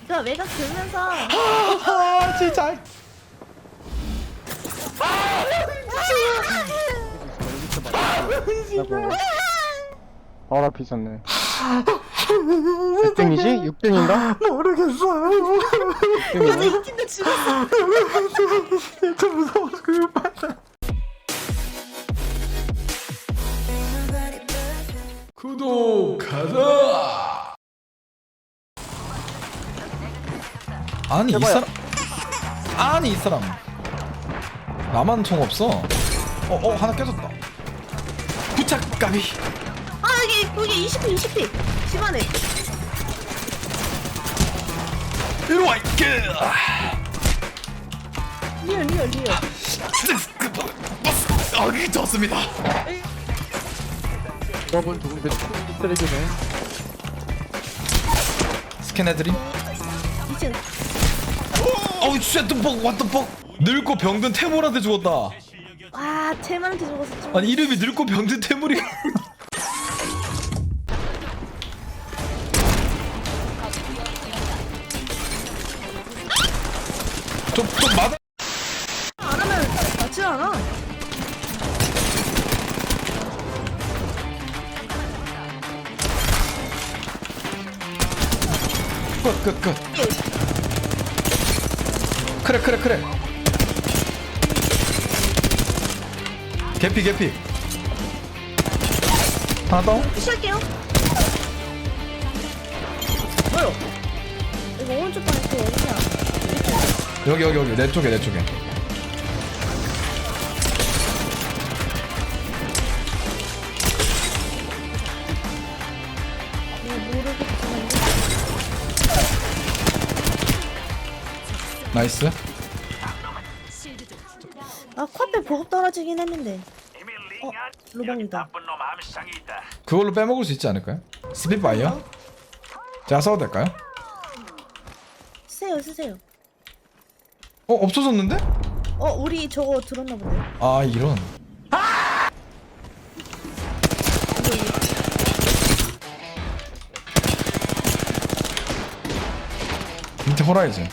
이거 외곽 들면서 아 진짜. 바로 앞에 있었네. 몇 등이지? 6등인가? 모르겠어요. 맞아 이 팀도 죽었어. 진짜 무서워서 그걸 봤다. 구독하자. 아니 이 사람. 아니 이 사람. 나만 총 없어. 하나 깨졌다. 부착 까비. 아 여기 20피 20피 심하네. 이리 와 이게. 리얼. 아, 좋습니다. 저분 누군데 쓰레기네. 스캔해드림. 2층. 어우 쉣 뻑 what the fuck. 늙고 병든 태물한테 죽었다. 와 쟤만한테 죽었어. 좀. 아니 이름이 늙고 병든 태물이. 좀 맞아. 안 하면 맞지 않아. 끝. 그래. 개피. 하나 더. 푸시할게요. 뭐요? 이거 오른쪽 방에 또 어디야? 여기 내 쪽에. 이거 모르겠지만. 나이스. 아 코앞에 보급 떨어지긴 했는데. 로방이다. 그걸로 빼먹을 수 있지 않을까요? 스피드 바이어? 제가 써도 될까요? 쓰세요. 없어졌는데? 우리 저거 들었나 본데. 아 이런. 밑에 호라이즌.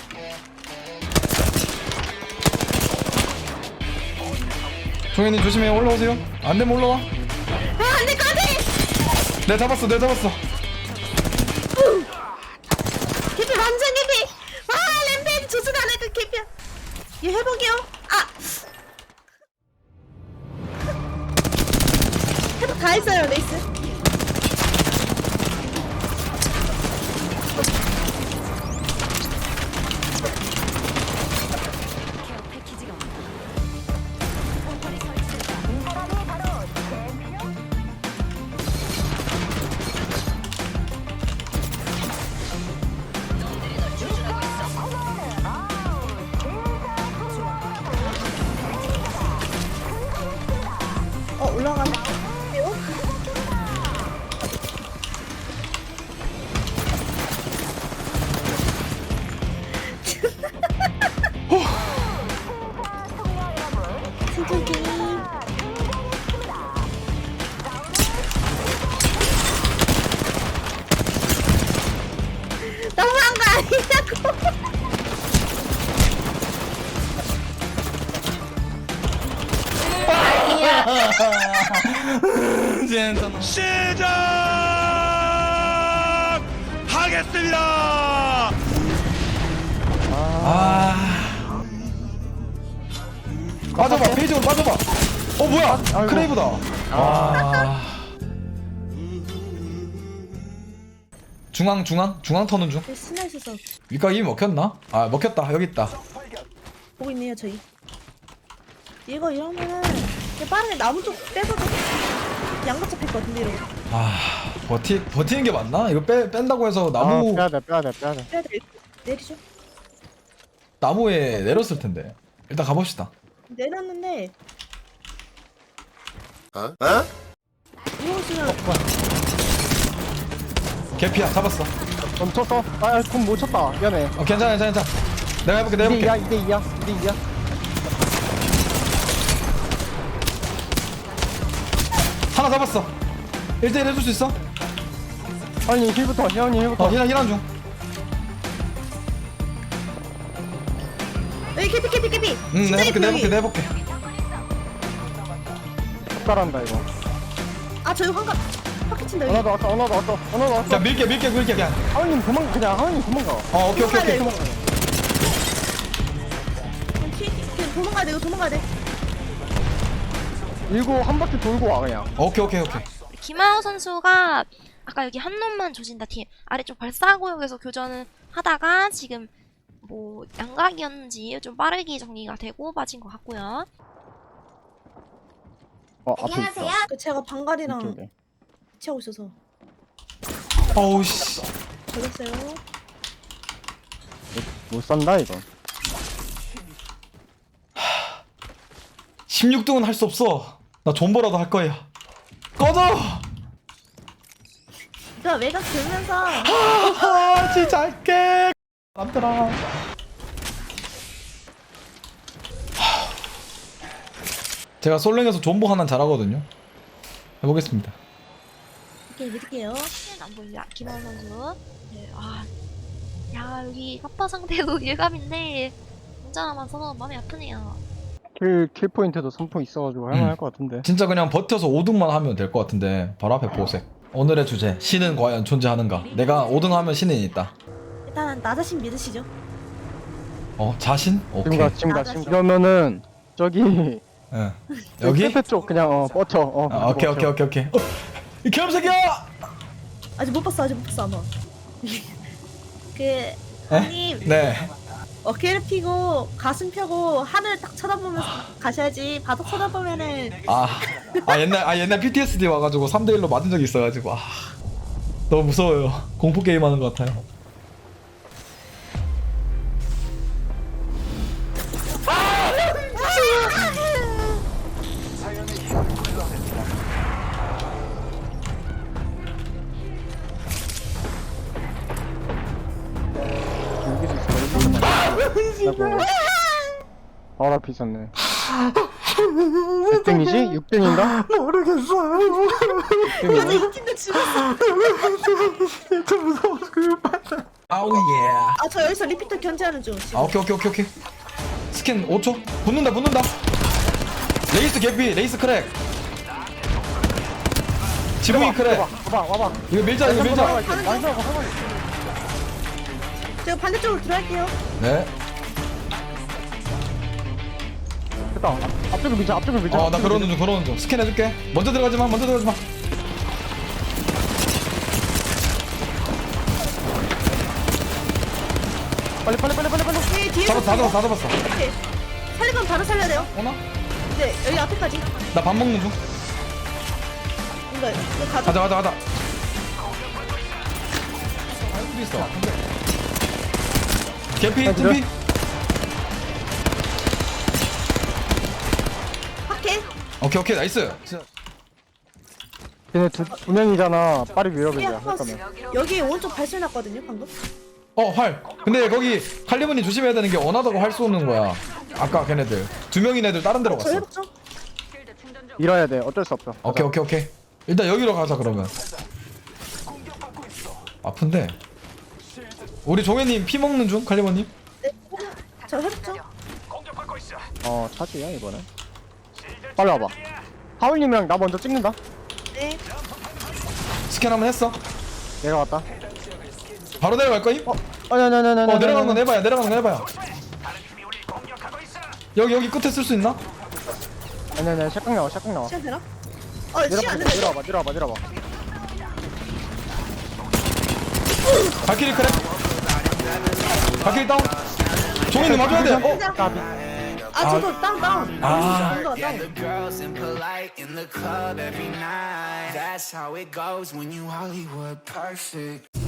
종현님 조심해. 올라오세요. 안되면 올라와. 안돼 까비. 내가 잡았어. 개피 완전 개피. 와 램페이지 조수도 안 해도 개피야. 얘 회복이요. 회복 다 했어요 레이스. 올라가네. 승준이 너무한 거 아니냐고. 시작하겠습니다. 빠져봐. 페이지로 빠져봐. 뭐야? 크레이브다. 중앙 터는 중. 스나 있어서 위가 이미 먹혔나? 먹혔다. 여기 있다. 보고 있네요 저희. 이거 이러면은 그냥 빠르게 나무 쪽 빼서도 양각 잡힐 것 같은데 이러고. 버티는 게 맞나? 이거 뺀다고 해서 나무 빼야돼. 빼야 돼. 내리죠. 나무에 내렸을 텐데. 일단 가봅시다. 내렸는데. 이거 있으면 개피야. 잡았어. 멈췄어. 그럼 못 쳤다. 미안해. 괜찮아. 내가 해볼게. 2대2야. 하나 잡았어. 1대1 해줄 수 있어? 아니 힐부터. 혜원이 힐부터. 힐한 중. 개피. 응 진짜 개피. 내볼게. 숟가란다 이거. 아 저기 환갑 파켓 친다 여기. 하나 더 왔어. 자 밀게 그냥. 하은님 도망가. 오케이. 그냥 도망가야 돼. 이거 도망가야 돼. 밀고 한 바퀴 돌고 와 그냥. 오케이. 김하우 선수가 아까 여기 한 놈만 조진다 팀 아래쪽 발사구역에서 교전을 하다가 지금 뭐 양각이었는지 좀 빠르게 정리가 되고 빠진 것 같고요. 앞에 있어. 그 제가 방갈이랑 이쪽에. 치하고 있어서 어우 씨. 걸렸어요. 못 산다 이거. 16등은 할 수 없어. 나 존버라도 할 거야. 꺼져. 그러니까 외곽 들면서 진짜 할게. 남들아. 제가 솔랭에서 존버 하나 잘하거든요. 해보겠습니다. 이렇게 믿을게요. 안 보이냐 김하우 선수. 네, 야 여기 갑파 상대도 일감인데 혼자 남아서 마음이 아프네요. 킬 포인트도 3포 있어가지고 할만할 것 같은데. 진짜 그냥 버텨서 5등만 하면 될 것 같은데 바로 앞에 보색. 오늘의 주제 신은 과연 존재하는가. 내가 5등 하면 신이 있다. 일단 나 자신 믿으시죠. 자신? 오케이. 지금 가. 그러면은 저기 예. 여기? 끝에 쪽 그냥 뻗쳐. 오케이. 이 개새끼야! 아직 못 봤어 아마. 그 형님 네. 어깨를 피고 가슴 펴고 하늘 딱 쳐다보면서 가셔야지. 바닥 쳐다보면은 옛날 PTSD 와가지고 3대1로 맞은 적이 있어가지고 너무 무서워요. 공포 게임 하는 것 같아요. 바로 앞에 있었네. 몇 등이지? 6등인가? 모르겠어요. 근데 이 팀도 죽었어. 진짜 무서워서 아우 예. 저 여기서 리피터 견제하는 중 지금. 오케이. 스캔 5초. 붙는다. 레이스 개피, 레이스 크랙. 지붕이 크랙. 와봐. 이거 밀자. 제가 반대쪽으로 들어갈게요. 네. 됐다. 앞쪽을 밀자. 나 그러는 중. 스캔 해줄게. 먼저 들어가지 마. 빨리. 뒤에 다 잡았어. 오케이. 살리면 바로 살려야 돼요. 오나? 네 여기 앞에까지. 나 밥 먹는 중. 이거 가져. 가자. 어디 있어? 개피, 아, tum피. 파켓. 오케이, 나이스. 걔네 두 명이잖아. 빨리 밀어보자. 피아 파우스. 여기 오른쪽 발소리 났거든요 방금. 활. 근데 거기 칼리문이 조심해야 되는 게 원하다고 활 쏘는 거야. 아까 걔네들 2명인 애들 다른 데로 저 갔어. 해봤죠? 밀어야 돼. 어쩔 수 없어. 오케이. 일단 여기로 가자 그러면. 아픈데. 우리 종혜님 피 먹는 중 칼리문님. 네. 저 해봤죠? 차지야 이번엔. 빨리 와봐. 하울님이랑 나 먼저 찍는다. 네. 스캔 한번 했어. 내가 왔다. 바로 내려갈 거임? 아니. 내려가는 건 해봐요. 여기 끝에 쓸 수 있나? 아니. 샷각 나와. 시간 되나? 시간 안 된다. 내려봐. 발키리 크랙. 발키리 다운. 종혜님 맞아야 돼. 까비. 저도 다운. 아. Yeah, the girls impolite in the club every night. That's how it goes when you Hollywood perfect.